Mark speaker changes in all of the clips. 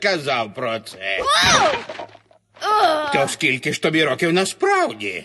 Speaker 1: казав про це. То скільки ж тобі років насправді?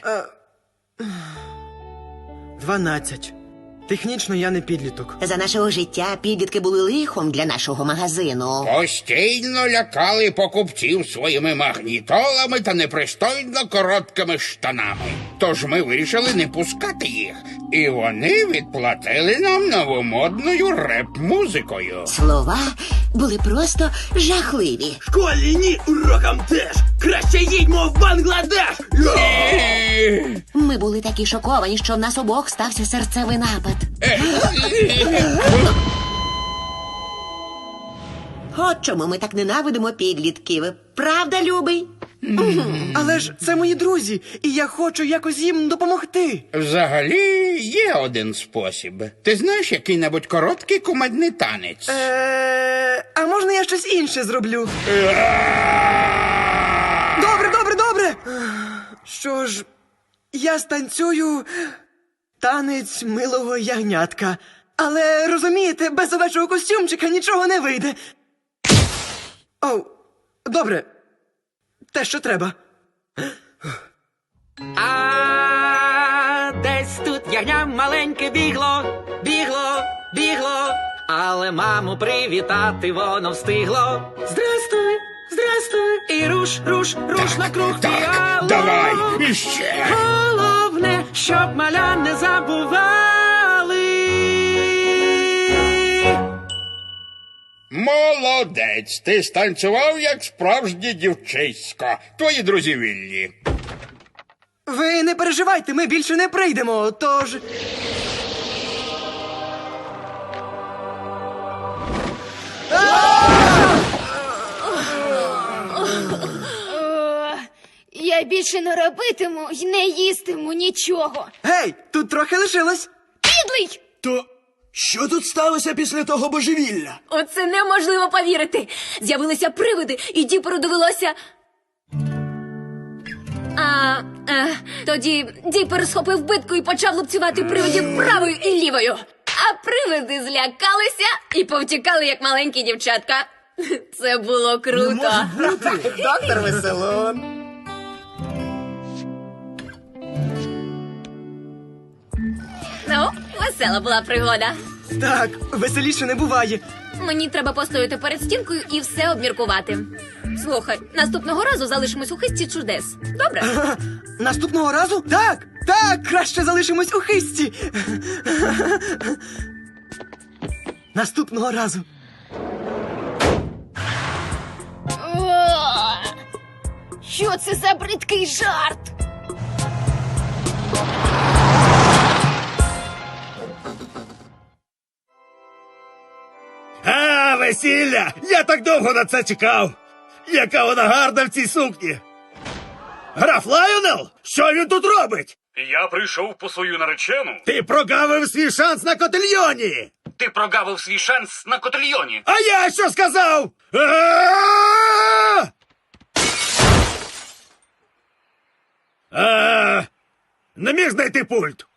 Speaker 2: 12. Технічно я не підліток.
Speaker 3: За нашого життя підлітки були лихом для нашого магазину.
Speaker 1: Постійно лякали покупців своїми магнітолами та непристойно короткими штанами. Тож ми вирішили не пускати їх. І вони відплатили нам новомодною реп-музикою.
Speaker 3: Слова були просто жахливі.
Speaker 2: Школі ні, урокам теж. Краще їдьмо в Бангладеш.
Speaker 3: Ми були такі шоковані, що в нас обох стався серцевий напад. От чому ми так ненавидимо підлітків. Правда, любий?
Speaker 2: Але ж це мої друзі, і я хочу якось їм допомогти.
Speaker 1: Взагалі, є один спосіб. Ти знаєш який-небудь короткий кумедний танець?
Speaker 2: А можна я щось інше зроблю? Добре. Що ж, я станцюю танець милого ягнятка. Але, розумієте, без овечого костюмчика нічого не вийде. Добре. Те, що треба.
Speaker 4: Десь тут ягня маленьке бігло, але маму привітати воно встигло. Здрастуй, і руш на круг піало.
Speaker 1: Давай, іще.
Speaker 4: Головне, щоб маля не забували.
Speaker 1: Молодець, ти станцював як справжнє дівчисько. Твої друзі вільні.
Speaker 2: Ви не переживайте, ми більше не прийдемо, тож...
Speaker 5: Я більше не робитиму й не їстиму нічого.
Speaker 2: Гей, тут трохи лишилось.
Speaker 5: Підлий!
Speaker 6: То що тут сталося після того божевілля?
Speaker 5: Оце неможливо повірити. З'явилися привиди, і Діперу довелося... Тоді Діпер схопив битку і почав лупцювати привидів правою і лівою. А привиди злякалися і повтікали, як маленькі дівчатка. Це було круто.
Speaker 3: Доктор Веселун.
Speaker 5: Ну, весела була пригода.
Speaker 2: Так, веселіше не буває.
Speaker 5: Мені треба постояти перед стінкою і все обміркувати. Слухай, наступного разу залишимось у хисті чудес. Добре?
Speaker 2: Наступного разу? Так, краще залишимось у хисті. Наступного разу.
Speaker 5: Що це за бридкий жарт?
Speaker 6: Весілля! Я так довго на це чекав! Яка вона гарна в цій сукні! Граф Лайонел? Що він тут робить?
Speaker 7: Я прийшов по свою наречену.
Speaker 6: Ти прогавив свій шанс на котельйоні!
Speaker 7: Ти прогавив свій шанс на котельйоні.
Speaker 6: А я що сказав? Не міг знайти пульт.